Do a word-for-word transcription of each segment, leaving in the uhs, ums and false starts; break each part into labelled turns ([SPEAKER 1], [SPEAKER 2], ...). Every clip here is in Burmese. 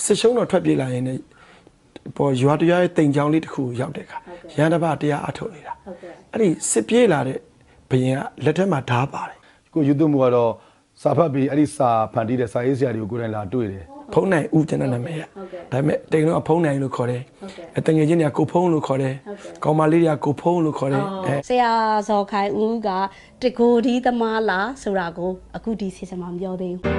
[SPEAKER 1] စစ်ရှုံးတော့ထွက်ပြေးလာရင်လည်းပေါ်ရွာတရားရဲ့တိမ်ချောင်းလေးတစ်ခုရောက်တဲ့အခါရန်တပတရားအထုတ်နေတာအဲ့ဒီစစ်ပြေးလာတဲ့ဘယင်ကလက်ထက်မှာဓားပါတယ်
[SPEAKER 2] ကိုယူသွမှုကတော့စာဖတ်ပြီးအဲ့ဒီစာဖန်တီးတဲ့စာရေးဆရာတွေကိုကိုယ်တိုင်လာတွေ့တယ်
[SPEAKER 1] ဖုံးနိုင်ဦးကျွန်တော်နာမည်ရဒါပေမဲ့တိမ်တော့ဖုံးနိုင်လို့ခေါ်တယ်အတငယ်ချင်းတွေကကိုဖုံးလို့ခေါ်တယ်ကောင်မလေးတွေကကိုဖုံးလို့ခေါ်တယ်
[SPEAKER 3] ဆရာဇော်ခိုင်ဦးကတကိုဒီသမားလားဆိုတာကိုအခုဒီစီစဉ်မှာမပြောသေးဘူး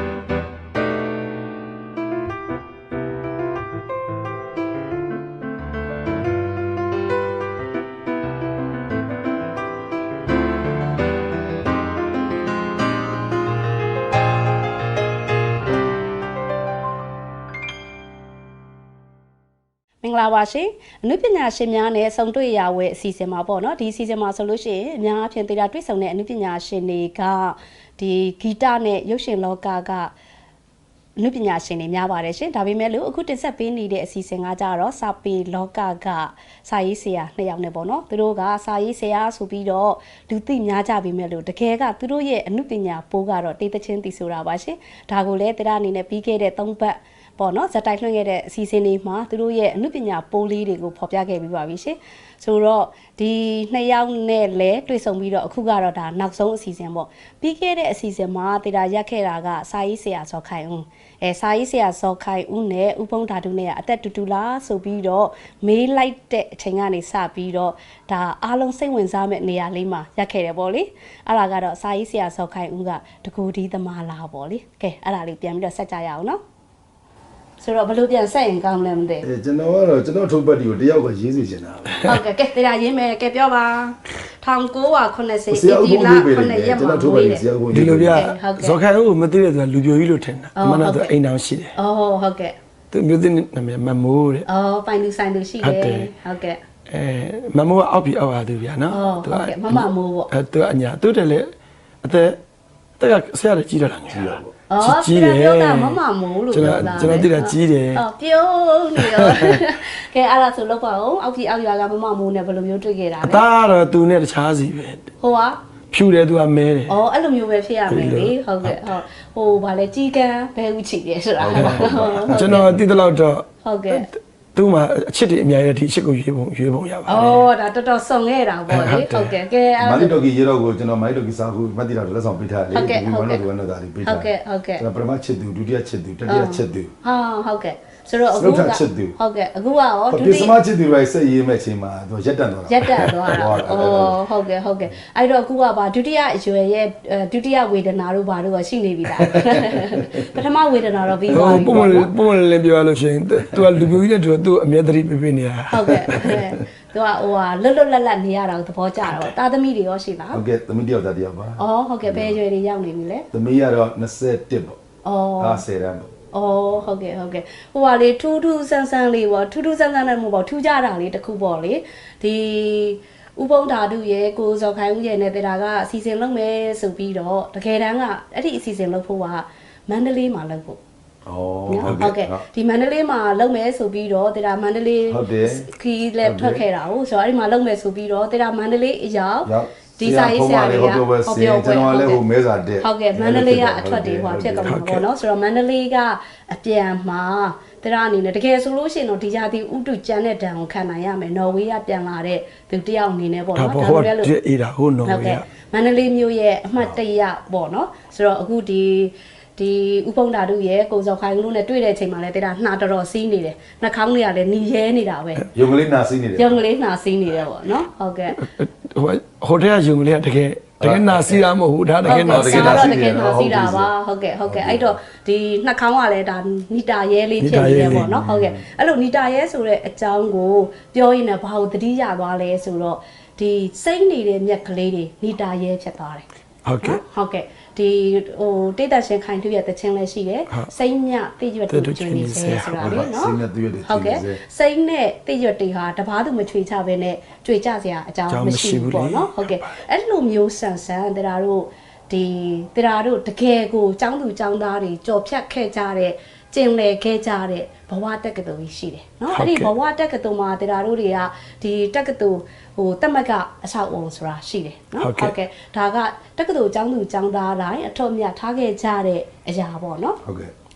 [SPEAKER 3] မင်္ဂလာပါရှင်အနုပညာရှင်များနဲ့ဆုံတွေ့ရဝဲအစီအစဉ်မှာပေါ့နော်ဒီအစီအစဉ်မှာဆိုလို့ရှိရင်အများအပြားသေးတာတွေ့ဆုံတဲ့အနုပညာရှင်တွေကဒီဂီတနဲ့ရုပ်ရှင်လောကကအနုပညာရှင်တွေများပါတယ်ရှင်ဒါပေမဲ့လို့အခုတင်ဆက်ပေးနေတဲ့အစီအစဉ်ကကြတော့စာပေလောကကစာရေးဆရာနှစ်ယောက်နဲ့ပေါ့နော်သူတို့ကစာရေးဆရာဆိုပြီးတော့လူသိများကြပေမဲ့လို့တကယ်ကသူတို့ရဲ့အနုပညာပိုးကတော့တေးသချင်းတီဆိုတာပါရှင်ဒါကိုလည်းတရားအနေနဲ့ပြီးခဲ့တဲ့သုံးပတ်ပေါ့နော်ဇက်တိုက်လွှင့်ခဲ့တဲ့အစီအစဉ်လေးမှာသူတို့ရဲ့အနုပညာပိုးလေးတွေကိုဖော်ပြခဲ့ပြီးပါပြီရှင်ဆိုတော့ဒီနှစ်ယောက်နဲ့လည်းတွေ့ဆုံပြီးတော့အခုကတော့ဒါနောက်ဆုံးအစီအစဉ်ပေါ့ပြီးခဲ့တဲ့အစီအစဉ်မှာတရားရက်ခဲ့တာကစာရေးဆရာဇော်ခိုင်ဦးအဲစာရေးဆရာဇော်ခိုင်ဦးနဲ့ဥပုံဓာတုနဲ့အသက်တူတူလားဆိုပြီးတော့မေးလိုက်တဲ့အချိန်ကနေစပြီးတော့ဒါအားလုံးစိတ်ဝင်စားမဲ့နေရာလေးမှာရက်ခဲ့တယ်ပေါ့လေအဲ့ဒါကတော့စာရေးဆရာဇော်ခိုင်ဦးကတကူဒီသမားလားပေါ့လေကဲအဲ့ဒါလေးပြန်ပြီးတော့ဆက်ကြရအောင်နော်ဆိုတော့ဘလို့ပြန်ဆက်ရင်ကောင်းလဲမသိ
[SPEAKER 2] အဲကျွန်တော်ကတော့ကျွန်တော်ထုတ်ပတ်တီကိုတယောက်ကရေးစီချင်တာ
[SPEAKER 3] ဟုတ်ကဲ့ကဲတရားရေးမယ်ကဲပြောပါ၁၉ခုနှစ်ဆယ်ဒီလခုနှစ်ရက်မှာထုတ်ပတ်တီ
[SPEAKER 1] ဒီလိုပြဇော်ခိုင်ဦးကိုမသိတဲ့သူကလူပြိုကြီးလို့ထင်တာအမှန်တော့အိမ်တော်ရှိတယ်
[SPEAKER 3] အော်ဟုတ်ကဲ့
[SPEAKER 1] သူမျိုးသိနာမည်မမိုးတဲ့
[SPEAKER 3] အော်ပိုင်လူဆိုင်လူရှိတယ်ဟုတ်ကဲ့
[SPEAKER 1] အဲမမိုးကအောက်ပြီးအောက်ရသူဗျာနော်
[SPEAKER 3] သူကမမမိုးပေါ့
[SPEAKER 1] အဲသူကအညာသူတည်းလေအသက်တက်ကဆရာကြီးတော့လာငယ်တာပေါ့
[SPEAKER 3] အော်ကြီးတယ်ပြောတာမမမိုးလို့ပြောတာ
[SPEAKER 1] ကျွန်တော်သိတာကြီးတယ်
[SPEAKER 3] အော်ပြုံးနေရောကဲအဲ့ဒါဆိုလောက်ပါအောင်အောက်ကြီးအောက်ရွာကမမမိုးနဲ့ဘယ်လိုမျိုးတွေ့ခဲ့တာလဲ
[SPEAKER 1] အသားကတော့သူနဲ့တခြားစီပဲ
[SPEAKER 3] ဟိုက
[SPEAKER 1] ဖြူတယ်သူကမဲတယ်
[SPEAKER 3] အော်အဲ့လိုမျိုးပဲဖြစ်ရမယ်လေဟုတ်ကဲ့ဟုတ်ဟိုဗာလဲကြီးကန်းဘဲဥချီတယ်ဆိုတာ
[SPEAKER 1] ကျွန်တော်သိတဲ့လောက်တော့
[SPEAKER 3] ဟုတ်ကဲ့
[SPEAKER 1] သူ့မှာအချစ်တွေအများကြီးဒီအချစ်ကိုရွေးပုံရွေးပုံရပါတယ်
[SPEAKER 3] ။အော်ဒါတော်တော်စုံခဲ့တာပေါ့လေ။ဟုတ်ကဲ့ကဲ
[SPEAKER 2] အဲ့မာလီတိုကီရေတော့ကိုကျွန်တော်မာလီတိုကီစာခုမှတ်တိတာလက်ဆောင်ပေးထားတယ်လေဒီဝမ်းတော့ဝမ်းတော့ဒါလေးပေးထား
[SPEAKER 3] ဟုတ်ကဲ့ဟုတ်ကဲ့
[SPEAKER 2] ကျွန်တော်ပထမချစ်သူဒုတိယချစ်သူတတိယချစ်သူ
[SPEAKER 3] ဟာဟုတ်ကဲ့ဆိုတော့အခုကဟုတ်ကဲ့အခုကရော
[SPEAKER 2] ဒုတိယပထမချစ်သူတွေစိတ်ရေးမဲ့ချိန်မှာသူရက်တန့်သွားတာ
[SPEAKER 3] ရက်တန့်သွားတာအော်ဟုတ်ကဲ့ဟုတ်ကဲ့အဲ့တော့အခုကပါဒုတိယအရွယ်ရဲ့ဒုတိယဝေဒနာတို့ဘာတို့ကရှိနေပြီလားပထမဝေဒနာတော့ပြီးသွားပြီ
[SPEAKER 1] ပုံမှန်ပုံမှန်လည်းပြောရလို့ရှိရင်သူကလူမျိုးကြီးနဲ့သူသူအမြဲတမ်းပြပြနေတာ
[SPEAKER 3] ဟုတ်ကဲ့သူကဟိုဟာလွတ်လွတ်လပ်လပ်နေရတာကိုသဘောကျတော့တာသမီတွေရောရှိလား
[SPEAKER 2] ဟုတ်ကဲ့သမီးတယောက်သားတယောက်ပါ
[SPEAKER 3] အော်ဟုတ်ကဲ့ဘယ်ရွယ်တွေရောက်နေပြီလဲ
[SPEAKER 2] သမီးကတော့၂၁ပေါ့
[SPEAKER 3] အော်
[SPEAKER 2] အားဆယ်တန်းပေါ့
[SPEAKER 3] အော်ဟုတ်ကဲ့ဟုတ်ကဲ့ဟိုပါလေထူးထူးဆန်းဆန်းလေးပေါ့ထူးထူးဆန်းဆန်းနဲ့မဟုတ်ပါထူးကြတာလေးတစ်ခုပေါ့လေဒီဥပုံဓာတုရဲ့ကိုဇော်ခိုင်ဦးရဲ့နဲ့တရားကအစီအစဉ်လုပ်မယ်ဆိုပြီးတော့တကယ်တမ်းကအဲ့ဒီအစီအစဉ်လုပ်ဖို့ကမန္တလေးမှာလုပ်ဖို့
[SPEAKER 2] အော်
[SPEAKER 3] ဟုတ်ကဲ့ဒီမန္တလေးမှာလုပ်မယ်ဆိုပြီးတော့တရားမန္တလေးခီးလည်းထွက်ခဲ့တာဟုတ်ဆိုတော့အဲ့ဒီမှာလုပ်မယ်ဆိုပြီးတော့တရားမန္တလေးအရောက်ဒီစာရေးဆရာတွေကဟောပြောပွဲ
[SPEAKER 2] ကျွန်တော်လည်းဟိုမဲစာတက်
[SPEAKER 3] ဟုတ်ကဲ့မန္တလေးကအထွက်တွေဟိုဖြစ်ကုန်မှာပေါ့နော်ဆိုတော့မန္တလေးကအပြန်မှာတရားအနေနဲ့တကယ်ဆိုလို့ရှိရင်တော့ဒီဂျာတီဥတုကျန်တဲ့တန်ကိုခံနိုင်ရမယ်နော်ဝေးကပြန်လာတဲ့သူတယောက်အနေနဲ့ပေါ့နော်
[SPEAKER 1] ဒါပေမဲ့လို့အေးတာဟိုနော်ဝေးက
[SPEAKER 3] မန္တလေးမျိုးရဲ့အမှတ်တရပေါ့နော်ဆိုတော့အခုဒီဒီဥပုံဓာတုရဲ့ကိုဇော်ခိုင်လို့နဲ့တွေ့တဲ့အချိန်မှာလည်းတရားနှာတော်တော်စီးနေတယ်နှာခေါင်းတွေကလည်းနီရဲနေတာပဲ
[SPEAKER 2] ယုံကလေးနှာစီးနေတယ်
[SPEAKER 3] ယုံကလေးနှာစီးနေတယ်ပေါ့နော်ဟုတ်ကဲ့
[SPEAKER 1] ဟိုဟိုတည်းကယုံကလေးကတကယ်တကယ်နာစီတာမဟုတ်ဘူးဒါတကယ်နာစီတာ
[SPEAKER 3] တကယ်နာစီတာပါဟုတ်ကဲ့ဟုတ်ကဲ့အဲ့တော့ဒီနှာခေါင်းကလည်းဒါနီတာရဲလေးဖြစ်နေတယ်ပေါ့နော်ဟုတ်ကဲ့အဲ့လိုနီတာရဲဆိုတဲ့အကြောင်းကိုပြောရင်လည်းဘာလို့သတိရသွားလဲဆိုတော့ဒီစိတ်နေတဲ့မြက်ကလေးတွေနီတာရဲဖြစ်သွားတယ်
[SPEAKER 1] ဟုတ်ကဲ့
[SPEAKER 3] ဟုတ်ကဲ့ဒီဟိုတိတ်တရှင်ခိုင်သူရဲ့တခြင်းလည်းရှိတယ်စိမ့်မြတိရွတ်တူကျွေးနေစေဆိုတာလေနော်
[SPEAKER 2] စိမ့်မြတိရွတ်တူ
[SPEAKER 3] ဟုတ်ကဲ့စိမ့်နဲ့တိရွတ်တွေဟာတပားသူမချွေချပဲနဲ့ကြွေကြစရာအကြောင်းမရှိဘူးပေါ့နော်ဟုတ်ကဲ့အဲ့လိုမျိုးဆန်ဆန်တရားတို့ဒီတရားတို့တကယ်ကိုចောင်းသူចောင်းသားတွေကြော်ဖြတ်ခဲ့ကြတဲ့ကျင်လည်ခဲ့ကြတဲ့ဘဝတက္ကသိုလ်ကြီးရှိတယ်เนาะအဲ့ဒီဘဝတက္ကသိုလ်မှာတရားတို့တွေကဒီတက္ကသိုလ်ဟိုတက်မကအဆောက်အုံဆိုတာရှိတယ်เนาะဟုတ်ကဲ့ဒါကတက္ကသိုလ်ကျောင်းသူကျောင်းသားတိုင်းအထောက်အမြတ်ထားခဲ့ကြတဲ့အရာပေါ့เนาะ
[SPEAKER 2] ဟုတ်ကဲ့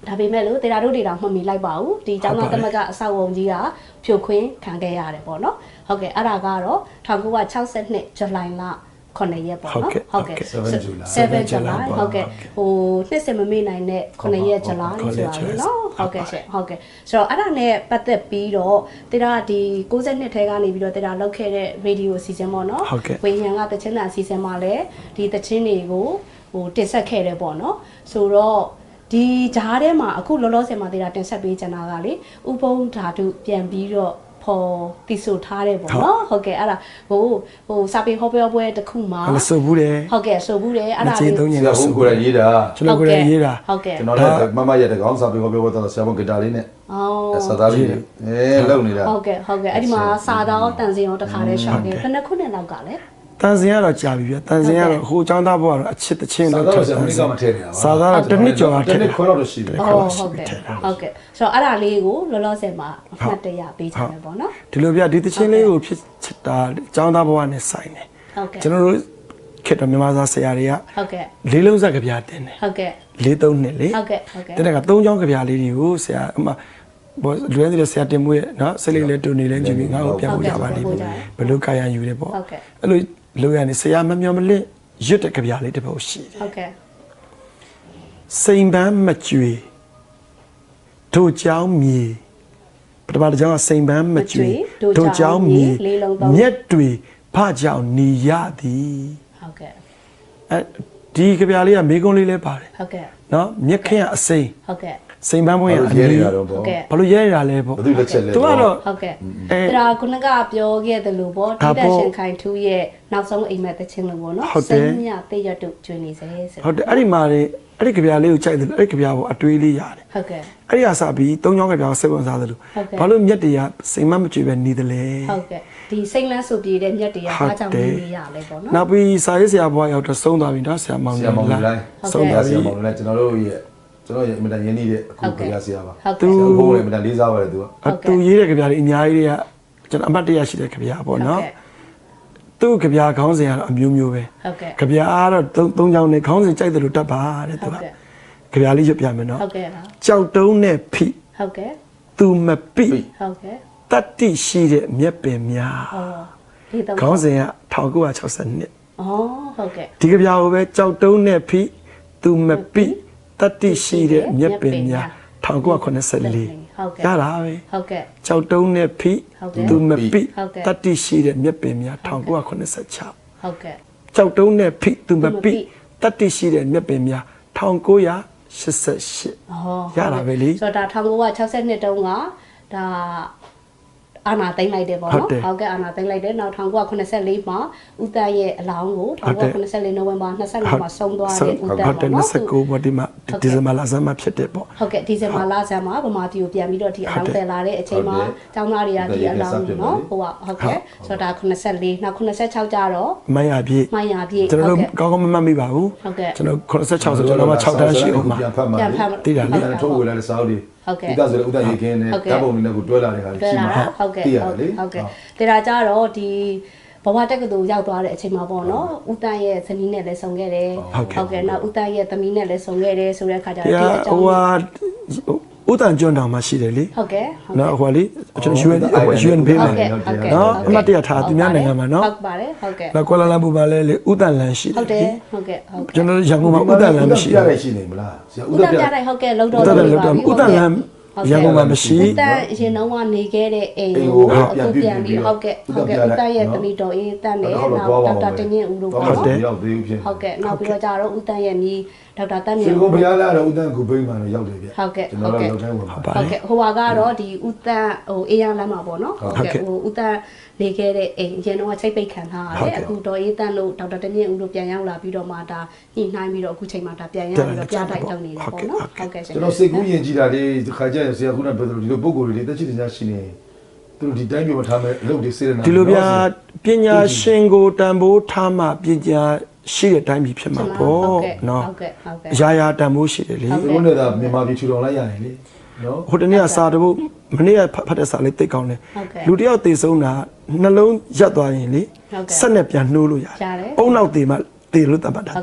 [SPEAKER 3] ဒါပေမဲ့လို့တေရာတို့တွေတော့မှတ်မိလိုက်ပါဘူးဒီကျောင်းသားသမဂ္ဂအဆောက်အုံကြီးကဖြိုခွင်းခံခဲ့ရတယ်ပေါ့နော်ဟုတ်ကဲ့အဲ့ဒါကတော့၁၉၆၂ဇူလိုင်လခုနှစ်ရက်ပေါ့နော်ဟုတ်ကဲ့
[SPEAKER 2] seven July
[SPEAKER 3] 7 July ဟုတ်ကဲ့ဟိုနှစ်စင်မမေ့နိုင်တဲ့ခုနှစ်ရက် July ဆိုတာလေနော်ဟုတ်ကဲ့ရှင်ဟုတ်ကဲ့ဆိုတော့အဲ့ဒါနဲ့ပတ်သက်ပြီးတော့တေရာဒီ၉၂ထဲကနေပြီးတော့တေရာလောက်ခဲ့တဲ့ radio အစီအစဉ်ပေါ့နော်ဝေဟန်ကတချင်းတာအစီအစဉ်မှာလည်းဒီတချင်းတွေကိုဟိုတင်ဆက်ခဲ့တယ်ပေါ့နော်ဆိုတော့ဒီဂျားထဲမှာအခုလောလောဆယ်မှာတေရာတင်ဆက်ပေးချင်တာကလေဥပုံဓာတုပြန်ပြီးတော့ဖော်တိဆိုထားတယ်ပေါ့နော်ဟုတ်ကဲ့အဲ့ဒါဟိုဟိုစာပေဟောပြောပွဲတစ်ခုမှာ
[SPEAKER 1] အဲ့ဆိုဘူးတယ်
[SPEAKER 3] ဟုတ်ကဲ့ဆိုဘူးတယ်အဲ့ဒါ
[SPEAKER 2] လေးကျွန်တော်ကိုယ်ရေးတာ
[SPEAKER 1] ကျွန်တော်ကိုယ်ရေးတာ
[SPEAKER 3] ဟုတ်ကဲ့
[SPEAKER 2] ကျွန်တော်လည်းမမရတဲ့ကောင်စာပေဟောပြောပွဲတော့ဆရာမဂီတာလေးနဲ့
[SPEAKER 3] အော်
[SPEAKER 2] စာသားလေးအဲလုံနေတာ
[SPEAKER 3] ဟုတ်ကဲ့ဟုတ်ကဲ့အဲ့ဒီမှာစာတော်တန်စင်ရောတခါလေးရှောက်တယ်ဘယ်နှခုနှစ်လောက်ကလဲ
[SPEAKER 1] တန်စင်ကတော့ကြာပြီပြတန်စင်ကတော့ဟိုចောင်းသားဘွားကတော့အချစ်တချင်း
[SPEAKER 2] တော့ထပ်တယ်စာသားကမထည့်နေတာပါ
[SPEAKER 1] စာသားကတစ်နှစ်ကျော်တာ
[SPEAKER 2] တစ်နှစ်ခွဲတော့ရှိတယ်
[SPEAKER 3] ဟုတ်ဟုတ်ကဲ့ဟုတ်ကဲ့ဆိုတော့အဲ့ဒါလေးကိုလောလောဆယ်မှာအမှတ်တရပေးချင်တယ်ပေါ့နော်
[SPEAKER 1] ဒီလိုပြဒီတချင်းလေးကိုဖြစ်ချစ်တာចောင်းသားဘွားနဲ့ဆိုင်တယ်
[SPEAKER 3] ဟုတ်ကဲ့
[SPEAKER 1] ကျွန်တော်တို့ခေတ္တမြန်မာစာဆရာတွေက
[SPEAKER 3] ဟုတ်ကဲ့
[SPEAKER 1] လေးလုံးစက်ကဗျာတင်တယ်
[SPEAKER 3] ဟုတ်ကဲ့
[SPEAKER 1] လေးသုံးနှစ်လေ
[SPEAKER 3] ဟုတ်ကဲ့ဟုတ်ကဲ့
[SPEAKER 1] တဲ့ကသုံးချောင်းကြပြလေးတွေကိုဆရာအမဘောလွယ်နေတဲ့ဆရာတင်မွေးနော်စိတ်လေးလေးတူနေလဲကြည့်ပြီးငါ့ကိုပြန်ဖို့ကြပါလိမ့်မယ်ဘယ်လိုကာယံယူလဲပေါ့အဲ့လိုလိုရနေဆရာမမျောမလင့်ရွတ်တဲ့ကြပြလေးတစ်ပုဒ်ရှိတယ်
[SPEAKER 3] ဟုတ်ကဲ့
[SPEAKER 1] စိန်ပန်းမကြွေတို့เจ้าမြေပထမတစ်ကြောင်းကစိန်ပန်းမကြွေတို့เจ้าမြေမြက်တွေဖကြောင်နေရသည်
[SPEAKER 3] ဟုတ်ကဲ့
[SPEAKER 1] အဲဒီကြပြလေးကမေကုန်းလေးလဲပါတယ်
[SPEAKER 3] ဟုတ်ကဲ့
[SPEAKER 1] နော်မြက်ခင်းကအစိမ်း
[SPEAKER 3] ဟုတ်ကဲ့
[SPEAKER 1] စိန်ပန်းပွင့်ရအရေး
[SPEAKER 3] ဟုတ်ကဲ့
[SPEAKER 1] ဘာလို့ရဲရတာလဲပေါ့
[SPEAKER 2] ဘယ်သူလက်ချက်လဲ
[SPEAKER 1] သူကတော့
[SPEAKER 3] ဟုတ်ကဲ့အဲ့ဒါခုနကပြောခဲ့တယ်လို့ပေါ့တိတက်ရှင်ခိုင်ထူးရဲ့နောက်ဆုံးအိမ်မက်တချင်းလို့ပေါ့နော်စိန်မြတေးရတုကျွေးနေစေဆို
[SPEAKER 1] ဟုတ်တယ်အဲ့ဒီမှာလေအဲ့ဒီကြပြလေးကိုကြိုက်တယ်လို့အဲ့ဒီကြပြကိုအတွေးလေးရတယ်
[SPEAKER 3] ဟုတ်ကဲ့
[SPEAKER 1] အဲ့ဒီအစားပြီးသုံးချောင်းကြပြကိုစိတ်ဝင်စားတယ်လို့ဘာလို့မြက်တွေကစိန်မမကြွေပဲနေတယ်လဲ
[SPEAKER 3] ဟုတ်ကဲ့ဒီစိတ်လန်းဆိုပြေတဲ့မြက်တွေကအားကြောင့်နေရလဲပေါ့နော်
[SPEAKER 1] နောက်ပြီးစာရေးဆရာဘွားရောက်တော့ဆုံးသွားပြီနော်ဆရာမောင်
[SPEAKER 2] လေးဆရာမောင်လေး
[SPEAKER 1] ဆုံးသွားပြီ
[SPEAKER 2] ဆရာမောင်လေးကျွန်တော်တို့ရဲ့ကျွန်တော်ရဲ့အမြဲတမ်းရင်းနှီးတဲ့အခုကြပြဆရာပါ
[SPEAKER 3] သူ
[SPEAKER 2] ဘုံလည်းအမြဲတမ်းလေးစားပါတယ်သူက
[SPEAKER 1] သူရေးတဲ့ကြပြလေးအများကြီးတွေကကျွန်တော်အမှတ်တရရှိတဲ့ကြပြပေါ့နော်သူ့ကြပြခေါင်းစဉ်ကတော့အမျိုးမျိုးပဲ
[SPEAKER 3] ဟုတ်ကဲ့
[SPEAKER 1] ကြပြကတော့သုံးသုံးချောင်းနဲ့ခေါင်းစဉ်ကြိုက်တယ်လို့တတ်ပါတဲ့သူကကြပြလေးရွတ်ပြမယ်နော်
[SPEAKER 3] ဟုတ်ကဲ့ပါ
[SPEAKER 1] ကြောက်တုံးနဲ့ဖိ
[SPEAKER 3] ဟုတ်ကဲ့
[SPEAKER 1] သူမပိ
[SPEAKER 3] ဟုတ်ကဲ့
[SPEAKER 1] တတ္တိရှိတဲ့မြက်ပင်များ
[SPEAKER 3] ဩဒီတော့
[SPEAKER 1] ခေါင်းစဉ်က၁၉၆၂ဩ
[SPEAKER 3] ဟုတ်ကဲ့
[SPEAKER 1] ဒီကြပြကိုပဲကြောက်တုံးနဲ့ဖိသူမပိတတ္တိရှိတဲ့မြက်ပင်များ၁၉၇၄
[SPEAKER 3] ဟုတ်ကဲ့
[SPEAKER 1] ရတာပဲ
[SPEAKER 3] ဟုတ်ကဲ့
[SPEAKER 1] ကြောက်တုံးနဲ့ဖိသူမပိတတ္တိရှိတဲ့မြက်ပင်များ၁၉၇၆
[SPEAKER 3] ဟုတ်ကဲ့
[SPEAKER 1] ကြောက်တုံးနဲ့ဖိသူမပိတတ္တိရှိတဲ့မြက်ပင်များ၁၉၈၈ရတာပဲလေ
[SPEAKER 3] ဆိုတော့ဒါ၁၉၆၂တုန်းကဒါအာနာသိမ့်လိုက်တယ်ပေါ့နော်ဟုတ်ကဲ့အာနာသိမ့်လိုက်တယ်နောက်၁၉၇၄မှာဦးတန်းရဲ့အလောင်းကို၁၉၇၄နိုဝင်ဘာ၂၅မှာဆုံးသွားတဲ့ဦးတန်းပေါ့နော်
[SPEAKER 1] ၂၉ပေါ့ဒီမှာဒီဇင်ဘာလဆန်းမှာဖြစ်တယ်ပေါ့
[SPEAKER 3] ဟုတ်ကဲ့ဒီဇင်ဘာလဆန်းမှာဗမာပြည်ကိုပြန်ပြီးတော့ဒီအလောင်းတည်လာတဲ့အချိန်မှာကျောင်းသားတွေကဒီအလောင်းကိုနော်ဟိုဟုတ်ကဲ့ဆိုတော့ဒါ၇၄နောက်၇၆ကျတော့
[SPEAKER 1] မရပြည့်
[SPEAKER 3] မရပြည့်
[SPEAKER 1] ကျွန်တော်တို့ကောင်းကောင်းမမှတ်မိပါဘူး
[SPEAKER 3] ဟုတ်ကဲ့
[SPEAKER 1] ကျွန်တော်၇၆ဆိုကျွန်တော်မှ၆တန်းရှိအောင်မှာ
[SPEAKER 2] ပြန်ဖတ်မှာ
[SPEAKER 1] တည်တာလေ
[SPEAKER 2] ထုတ်ဝေလာတဲ့စာအုပ်တွေ
[SPEAKER 3] ဟုတ်ကဲ့
[SPEAKER 2] ဒီကဆိုလည်းဥဒ္ဒရေးခင်းနဲ့ဓာတ်ပုံတွေနဲ့ကိုတွဲလာတဲ့ခါရှိမှာ
[SPEAKER 3] ဟုတ်ကဲ့ဟုတ်ကဲ့တေရာကြတော့ဒီဘဝတက္ကသိုလ်ရောက်သွားတဲ့အချိန်မှာပေါ့နော်ဦးတန်းရဲ့ဇနီးနဲ့လည်းဆုံခဲ့တယ်ဟုတ်ကဲ့နောက်ဦးတန်းရဲ့သမီးနဲ့လည်းဆုံခဲ့တယ်ဆိုတဲ့အခါကျတော့ဒီအကြောင်း
[SPEAKER 1] ဟိုဟာဦးတန်းကျွန်းတောင်မှာရှိတယ်လေ
[SPEAKER 3] ဟုတ်ကဲ့
[SPEAKER 1] နော်ဟိုလေကျွန်တော် ယူ အန် ယူ အန် ဖေးမယ်နော်အမတ်တရထားသူများနိုင်ငံမှာနော်
[SPEAKER 3] ဟုတ်ပါတယ်ဟုတ်ကဲ့
[SPEAKER 1] နောက်ကွာလာလမ်ပူမှာလည်းလေဦးတန်းလန်ရှိတယ်
[SPEAKER 3] ဟုတ်တယ်ဟုတ်ကဲ့ဟုတ်
[SPEAKER 1] ကျွန်တော်ရန်ကုန်မှာဦးတန်းလန်မရှိ
[SPEAKER 2] ဘူးပြရရှိနေမလား
[SPEAKER 3] ဆရာဦးတန်းပြတယ်ဟုတ်ကဲ့လုံတော်
[SPEAKER 1] ဦးတန်းလန်ဦးတန်းလန်ရန်ကုန်မှာမရှိ
[SPEAKER 3] ဦးတန်းအရင်တော့ကနေခဲ့တဲ့အိမ်ကိုအခုပြန်ပြီးဟုတ်ကဲ့ဟုတ်ကဲ့ဦးတန်းရဲ့တမီတော်အေးတန်းနဲ့နောက်ဒေါက်တာတင်ရင်ဦးတို့ပေါ့နော်
[SPEAKER 2] ရောက်သေးဘူးဖြစ်
[SPEAKER 3] ဟုတ်ကဲ့နောက်ပြီးတော့ကြတော့ဦးတန်းရဲ့ညီဒေါက်တာတန်းမြ
[SPEAKER 2] င်ဦးကိုဘုရားလာတော့ဦးတန်းကိုဘိန်းမှာရောက်တယ်ဗျ
[SPEAKER 3] ဟုတ်ကဲ့
[SPEAKER 2] ကျွန်တော်တို့ရောက်တိုင်းဝင်ပါ
[SPEAKER 3] ဟုတ်ကဲ့ဟိုဟာကတော့ဒီဦးတန်းဟိုအေးရလမ်းမှာပေါ့နော်ဟုတ်ကဲ့ဟိုဦးတန်းနေခဲ့တဲ့အိမ်ရင်တော့ချိတ်ပိတ်ခံထားရတယ်အခုဒေါ်အေးတန်းလို့ဒေါက်တာတင်ရင်ဦးတို့ပြန်ရောက်လာပြီးတော့မှဒါညှိနှိုင်းပြီးတော့အခုချိန်မှာဒါပြန်ရောက်ပြီးတော့ပြတိုက်လုပ်နေတယ်ပေါ့နော်ဟုတ်ကဲ့
[SPEAKER 2] ကျွန်တော်စိတ်ကူးယဉ်ကြည်တာလေးခါကြရဆရာခုနပြောသလိုဒီလိုပုံကိုယ်တွေတက်ချစ်တင်ရှိနေသူတို့ဒီတိုင်းပြောထားမယ်အလုပ်တွေစေရနာ
[SPEAKER 1] ဒီလိုပြပညာရှင်ကိုတန်ဖိုးထားမှပညာရှိတဲ့အတိုင်းပြီဖြစ်မှာပေါ့နော်
[SPEAKER 3] ဟုတ်ကဲ့ဟုတ်ကဲ့
[SPEAKER 1] ရာရာတန်ဖိုးရှိတယ်လေ
[SPEAKER 2] ဘုန်းတော်ကမြန်မာပြည်ထူထောင်လိုက်ရတယ်လေနော်
[SPEAKER 1] ဟိုတနေ့ကစာတပုတ်မနေ့ကဖတ်တဲ့စာလေးသိကောင်းတယ်လူတယောက်သေဆုံးတာနှလုံးရက်သွားရင်လေဆက်နဲ့ပြန်နှိုးလို့ရတယ်အုံနောက်သေမှသေလို့တတ်မှတ်တာ
[SPEAKER 3] ဟုတ်ကဲ့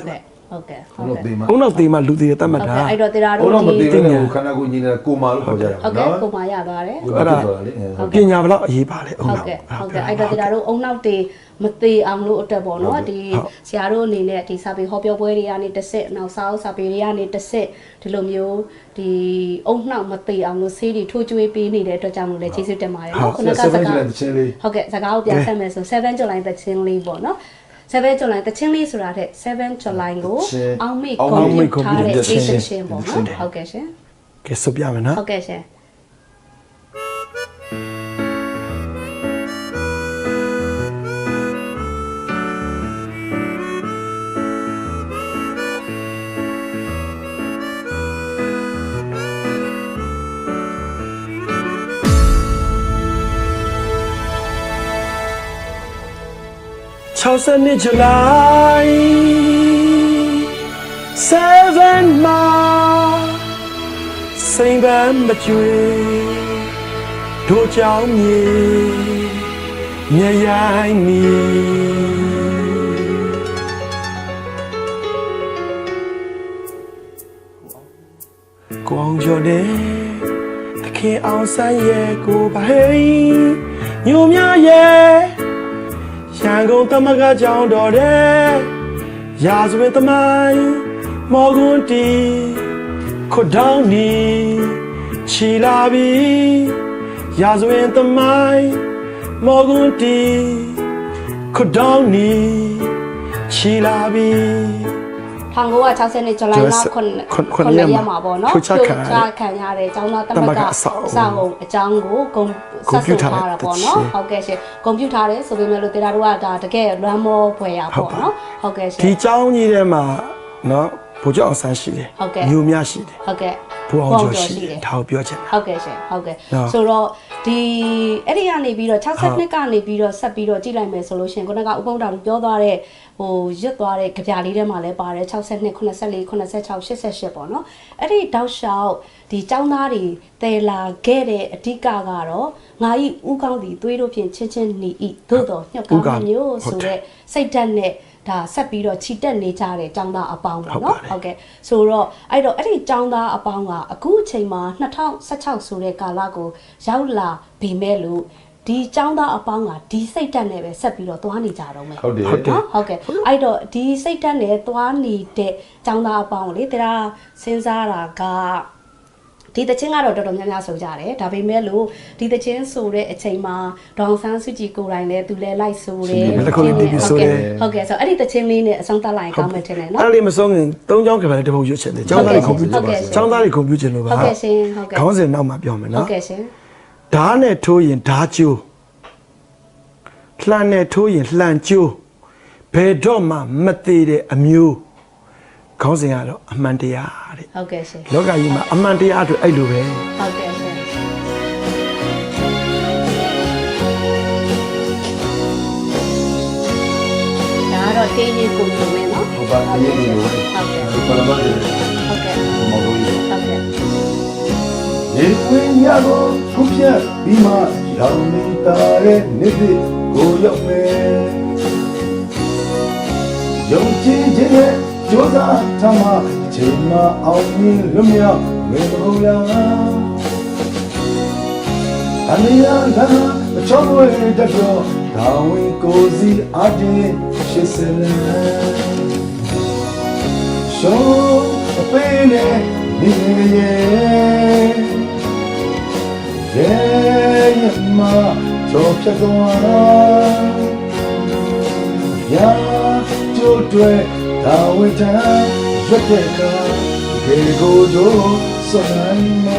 [SPEAKER 3] ဟုတ်ကဲ့
[SPEAKER 2] ဘုံတော့တေးမှာ
[SPEAKER 1] ဘုံနောက်သေးမှလူသေးတတ်မှတ်
[SPEAKER 3] ဟုတ်
[SPEAKER 1] တာ
[SPEAKER 3] ကဲ့အဲ့တော့တရား
[SPEAKER 2] ဘုံ
[SPEAKER 3] တို့
[SPEAKER 2] တော့မ
[SPEAKER 3] ဒီ
[SPEAKER 2] တေးဘူးခန္ဓာကိုယ်ညီနေတာကိုမာလို့ခေါ်ကြတာ
[SPEAKER 3] ဟုတ်ကဲ့ကိုမာရသွားတယ်
[SPEAKER 2] အဲ့ဒါလေ
[SPEAKER 1] ပညာဘလောက်အရေးပါလဲအုံ
[SPEAKER 3] ဟုတ်
[SPEAKER 1] နောက်က
[SPEAKER 3] ဲ့ဟုတ်ကဲ့အဲ့တော့တရားတို့အုံနောက်တေမသေးအောင်လို့အတွက်ပေါ့နော်ဒီဆရာတို့အနေနဲ့ဒီစာပေဟောပြောပွဲတွေကနေတစ်စစ်နောက်စာအုပ်စာပေတွေကနေတစ်စစ်ဒီလိုမျိုးဒီအုံနောက်မသေးအောင်လို့ဆေးတွေထိုးကျွေးပေးနေတဲ့အတွက်ကြောင့်လို့လည်းကျေးဇူးတင်ပါတယ်နော်ခုနကစကား
[SPEAKER 2] seven တချင်းလေး
[SPEAKER 3] ဟုတ်ကဲ့စကားကိုပြန်ဆက်မယ်ဆို seven July တချင်းလေးပေါ့နော်seven July တချင်းလေးဆိုတာတဲ့ seven July ကိုအောင်မေကွန်ပျူတာထားတဲ့ station ပေါ့နော်ဟုတ်ကဲ့ရှင်
[SPEAKER 1] ကဲဆိုပြမယ်နော်
[SPEAKER 3] ဟုတ်ကဲ့ရှင်
[SPEAKER 1] ၆၀နှစ် July seven မှာစိန်ပန်းမကြွေတို့ကြောင့်မြေမြရိုင်းမီကိုအောင်ကျော်တဲ့သခင်အောင်ဆန်းရဲ့ကိုပါဟေးညိုများရဲ့ရန်ကုန်သမဂ္ဂကျောင်းတော်တဲ့ရာဇဝင်သမိုင်းမော်ကွန်းတီခွတ်တောင်းနီချီလာပြီရာဇဝင်သမိုင်းမော်ကွန်းတီခွတ်တောင်းနီချီလာပြီ
[SPEAKER 3] ၁၉၆၀နှစ်ဇူလိုင်လ9ရက်မှာပေါ့နော်ဖြိုချခံရတဲ့ကျောင်းသားသမဂ္ဂစာအုပ်အကြောင်းကိုဂုဏ်ဆက်ဆိုထားတာပေါ့နော်ဟုတ်ကဲ့ရှင်ဂုဏ်ပြုထားတယ်ဆိုပေမဲ့လို့တရားတို့ကဒါတကယ်လွမ်းမောဖွယ်ရပေါ့နော်ဟုတ်ကဲ့ရှင်
[SPEAKER 1] ဒီကျောင်းကြီးထဲမှာနော်ဘိုးကျော်အောင်ဆန်းရှိတယ်မျိုးများရှိတယ်
[SPEAKER 3] ဟုတ်ကဲ့
[SPEAKER 1] ဘိုးအောင်ကျော်ရှိတယ်ဒါကိုပြောချင်တာ
[SPEAKER 3] ဟုတ်ကဲ့ရှင်ဟုတ်ကဲ့ဆိုတော့ဒီအဲ့ဒီကနေပြီးတော့၆၂ကနေပြီးတော့ဆက်ပြီးတော့ကြည့်လိုက်မယ်ဆိုလို့ရှင်ခုနကဥပုံတော်ပြောသွားတဲ့ဟိုရွတ်သွားတဲ့ကြပြလေးထဲမှာလည်းပါတယ်၆၂ 94 96 88ပေါ့နော်အဲ့ဒီတောက်လျှောက်ဒီចောင်းသားတွေတည်လာခဲ့တဲ့အဓိကကတော့ငါဤဥကောင်းသည်သွေးတို့ဖြင့်ချင်းချင်းနေဤသို့တော်ညှော့ကောင်းမျိုးဆိုတဲ့စိတ်ဓာတ်နဲ့ဒါဆက်ပြီးတော့ခြိတက်နေကြတဲ့ចောင်းသားအပေါင်းပေါ့နော်ဟုတ်ကဲ့ဆိုတော့အဲ့တော့အဲ့ဒီចောင်းသားအပေါင်းကအခုအချိန်မှာ၂၀၁၆ဆိုတဲ့ကာလကိုရောက်လာပြီမဲ့လို့ဒီចောင်းသားအပေါင်းကဒီစိတ်ဓာတ်နဲ့ပဲဆက်ပြီးတော့သွားနေကြတော့မယ်
[SPEAKER 2] ဟုတ်တယ်
[SPEAKER 3] နော်ဟုတ်ကဲ့အဲ့တော့ဒီစိတ်ဓာတ်နဲ့သွားနေတဲ့ចောင်းသားအပေါင်းကိုလေတရားစဉ်းစားတာကဒီတချင်းကတော့တော်တော်များများဆိုကြတယ်ဒါပေမဲ့လို့ဒီတချင်းဆိုတဲ့အချိန်မှာဒေါအောင်ဆန်းစုကြည်ကိုယ်တိုင်လည်းသူလည်းလိုက်ဆိုတယ်ဟုတ်ကဲ့ဟုတ်ကဲ့ဆိုအဲ့ဒီတချင်းလေးနဲ့အဆုံးသတ်လိုက်ကောင်းမယ်ထင်တယ်နော်
[SPEAKER 1] အဲ့လေးမဆုံးခင်သုံးချောင်းကပဲတပုတ်ရွတ်ချင်တယ်ကျောင်းသားတွေကွန်ပျူတာကျောင်းသားတွေကွန်ပျူတာလို့ပါ
[SPEAKER 3] ဟုတ်ကဲ့ရှင်ဟုတ်ကဲ့
[SPEAKER 1] ခေါင်းစဉ်နောက်မှာပြောမယ်နော်
[SPEAKER 3] ဟုတ်ကဲ့ရှင်
[SPEAKER 1] ဓာတ်နဲ့ထိုးရင်ဓာတ်ကျိုးလှမ်းနဲ့ထိုးရင်လှမ်းကျိုးဘယ်တော့မှမသေးတဲ့အမျိုးခေါင်းစဉ်ကတော့အမှန်တရားတဲ့
[SPEAKER 3] ဟုတ်ကဲ့ရှင်
[SPEAKER 1] လောကကြီးမှာအမှန်တရားအတွက်အဲ့လိုပဲ
[SPEAKER 3] ဟုတ်ကဲ့ရှင်ဒါတော့တင်းကြီးကိုလိုမယ်နော်
[SPEAKER 2] ဟုတ်ပါတည်းရေလို
[SPEAKER 3] ဟုတ်ကဲ့
[SPEAKER 2] ဒီပရမတ်တွေ
[SPEAKER 3] ဟုတ်ကဲ့
[SPEAKER 2] မော်လို့ရ
[SPEAKER 3] ဟုတ်ကဲ့
[SPEAKER 2] ရေခွင်းရကိုခုဖြတ်ပြီးမှရောင်နေတာရဲ့နေ့တစ်ကိုရောက်မယ်ယုံကြည်ခြင်းနဲ့ကြိုးစားထမ်းမှချိန်မှအောင်မြင်လွတ်မြောက်မေမဟုတ်လားအမေရကအချောဝဲတပြောဒါဝင်ကိုစီအတင်းရှိစလဲရှောအပေးနဲ့နေရဲ့ရဲ့မတော့ဖြတ်သွားရာကျိုးတွေဒါဝိတံရွတ်တဲ့ကခေကိုကြိုးစွမ်းမ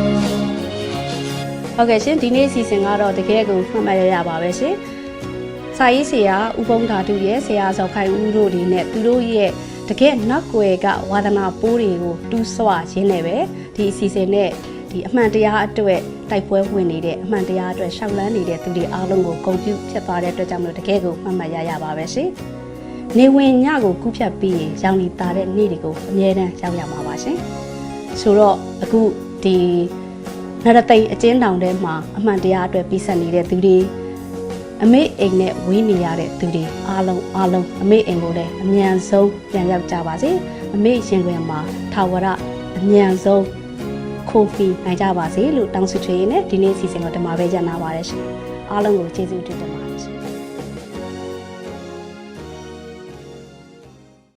[SPEAKER 3] ဟုတ်ကဲ့ရှင်ဒီနေ့အစီအစဉ်ကတော့တကယ်ကိုမှတ်မှတ်ရရပါပဲရှင်စာရေးဆရာဥပုံဓာတုရဲ့ဆရာဇော်ခိုင်ဦးတို့ဒီနဲ့သူတို့ရဲ့တကယ်နောက်ွယ်ကဝါဒနာပိုးတွေကိုတူးဆွရင်းနေပဲဒီအစီအစဉ်နဲ့ဒီအမှန်တရားအတွက်တိုက်ပွဲဝင်နေတဲ့အမှန်တရားအတွက်ရှောက်လန်းနေတဲ့သူတွေအားလုံးကိုဂုဏ်ပြုဖြစ်သွားတဲ့အတွက်ကြောင့်မလို့တကယ်ကိုမှတ်မှတ်ရရပါပဲရှင်နေဝင်ညကိုကူးဖြတ်ပြီးရင်ရောင်လီတာတဲ့နေ့တွေကိုအမြဲတမ်းရောက်ရမှာပါရှင်ဆိုတော့အခုဒီနရသိမ်အကျဉ်းတောင်ထဲမှာအမှန်တရားအတွက်ပြီးဆက်နေတဲ့သူတွေအမေအိမ်နဲ့ဝေးနေရတဲ့သူတွေအားလုံးအားလုံးအမေအိမ်ကိုလည်းအမြန်ဆုံးပြန်ရောက်ကြပါစေအမေရင်ခွင်မှာထာဝရအမြန်ဆုံးခိုးပြီးနိုင်ကြပါစေလို့တောင်းဆိုချင်နေဒီနေ့စီစဉ်ကိုဒီမှာပဲညနာပါတယ်ရှင်အားလုံးကိုကျေးဇူးတင်ပါတယ်ရှင်